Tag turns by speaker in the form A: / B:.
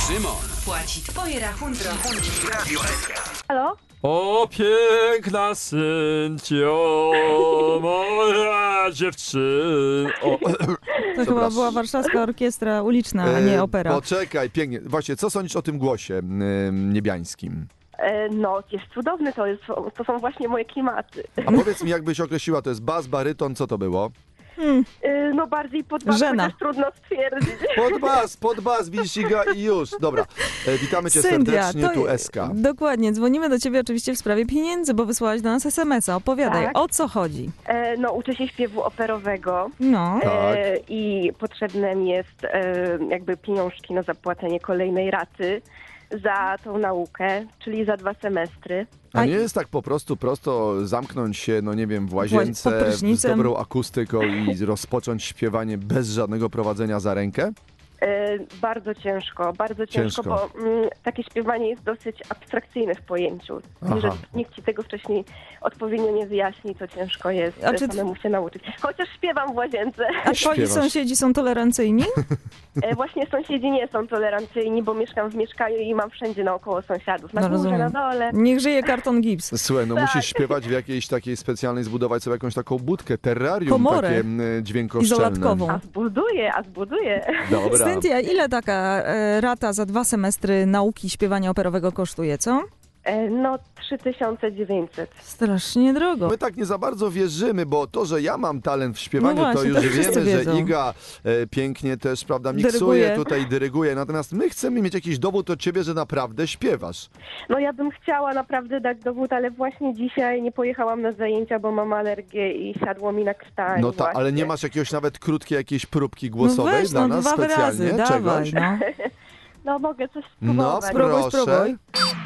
A: Szymon
B: Płaci twoje rachunki.
A: Radio SK.
C: Halo?
D: O piękna syntio, moja dziewczyna.
E: To chyba była warszawska orkiestra uliczna, a nie opera.
F: Poczekaj, pięknie. Właśnie, co sądzisz o tym głosie niebiańskim?
C: No, jest cudowny, to są właśnie moje klimaty.
F: A powiedz mi, jakbyś określiła, to jest bas, baryton, co to było?
C: No bardziej pod was,
E: Żena.
C: chociaż trudno stwierdzić.
F: Pod bas, widzisz, Iga, i już. Dobra, witamy cię
E: Cynthia,
F: serdecznie, tu SK.
E: Dokładnie, dzwonimy do ciebie oczywiście w sprawie pieniędzy, bo wysłałaś do nas SMS-a. Opowiadaj,
C: Tak.
E: o co chodzi?
C: No, uczę się śpiewu operowego
E: No,
F: Tak.
C: i potrzebne mi jest jakby pieniążki na zapłacenie kolejnej raty za tą naukę, czyli za 2 semestry.
F: A nie jest tak po prostu prosto zamknąć się, no nie wiem, w łazience
E: pod
F: z
E: prysznicem.
F: dobrą akustyką i rozpocząć śpiewanie bez żadnego prowadzenia za rękę?
C: Bardzo ciężko,
F: Ciężko.
C: bo takie śpiewanie jest dosyć abstrakcyjne w pojęciu.
F: Aha.
C: Jeżeli nikt ci tego wcześniej odpowiednio nie wyjaśni, to ciężko jest
E: A czy
C: samemu się nauczyć. Chociaż śpiewam w łazience.
E: a twoi
F: śpiewasz.
E: sąsiedzi są tolerancyjni?
C: Właśnie sąsiedzi nie są tolerancyjni, bo mieszkam w mieszkaniu i mam wszędzie naokoło sąsiadów. Na
E: No,
C: górze,
E: rozumiem.
C: na dole.
E: Niech żyje karton gips.
F: Słuchaj, no
C: Tak.
F: musisz śpiewać w jakiejś takiej specjalnej, zbudować sobie jakąś taką budkę, terrarium
E: Komorę.
F: takie dźwiękoszczelne.
E: Izolatkową.
C: A zbuduję.
F: Dobra.
E: Cynthia, ile taka rata za 2 semestry nauki śpiewania operowego kosztuje, co?
C: No 3900.
E: Strasznie drogo.
F: My tak nie za bardzo wierzymy, bo to, że ja mam talent w śpiewaniu,
E: No właśnie,
F: to już
E: to wszyscy
F: wiemy, że
E: wiedzą.
F: Iga pięknie też, prawda, miksuje,
E: Dyryguje.
F: tutaj dyryguje. Natomiast my chcemy mieć jakiś dowód od ciebie, że naprawdę śpiewasz.
C: No ja bym chciała naprawdę dać dowód, ale właśnie dzisiaj nie pojechałam na zajęcia, bo mam alergię i siadło mi na krtani.
F: No tak, ale
C: właśnie.
F: nie masz jakiegoś nawet krótkiej jakiejś próbki głosowej
E: no weź,
F: dla nas
E: 2
F: specjalnie?
E: wyrazy, dawaj,
F: Czegoś?
E: no.
C: No mogę coś
F: No
C: spróbować.
E: Spróbuj,
F: proszę.
E: spróbuj.